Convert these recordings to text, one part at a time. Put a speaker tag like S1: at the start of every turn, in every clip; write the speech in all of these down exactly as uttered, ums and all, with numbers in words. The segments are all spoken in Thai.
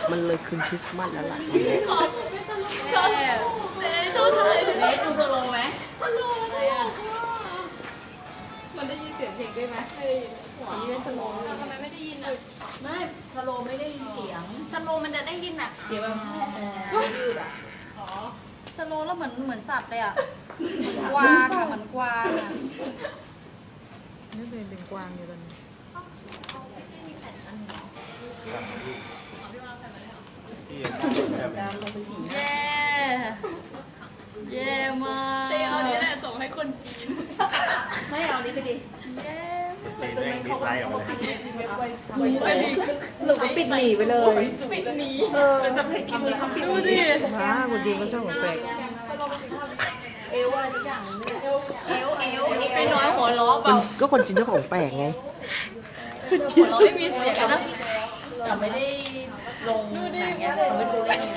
S1: มันเลยคืนคริสต์มาสแล้วล่ะ
S2: ชอบชอบชอบทำอะไรเนสดูสโลไหมสโลอะไรอ่ะมันได้ยินเสียงเพลงด้วยไหมไม่ได้ยินหัวนี่เป็นสโลทำไมไม่ได้ยินอ่ะไม่สโลไม่ได้ยินเสียงสโลมันจะได้ยินแบบเสียงแบบยืดอ่ะอ๋อสโลแล้วเหมือนเหมือนสัตว์เลยอ่ะเหมือนกวางอ่ะเหมือนกวางอ่ะ
S3: นี่เป็นเป็นกวางอยู่ตอนนี้
S2: เย้เย้มากเต้เอานี้แหละส่งให้คนจีนไม่เอานี้ไปดิเย้
S4: ตีแม่งดีไลน์ออกมาเลย
S2: ไปดิ
S3: หนูก็ปิดหนีไปเลย
S2: ปิดหนี
S3: เออจะให้กินเลยทำปิด
S2: ดูดิ
S3: ฮะคนดีก็ชอบของแปลก
S2: เอวอะไรทุกอย่างเอวเอวเอวไปน้อยหัวล้อเปล่า
S1: ก็คนจีนเจ้าของแปลกไง
S2: หัวเราะไม่มีเสียงนะแต่ไม่ได้ลงหนังเงี้ยเราไม่ดูเล่น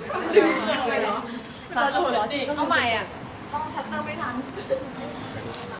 S2: เอาใหม่อ่ะต้องชัตเตอร์ไม่ทัน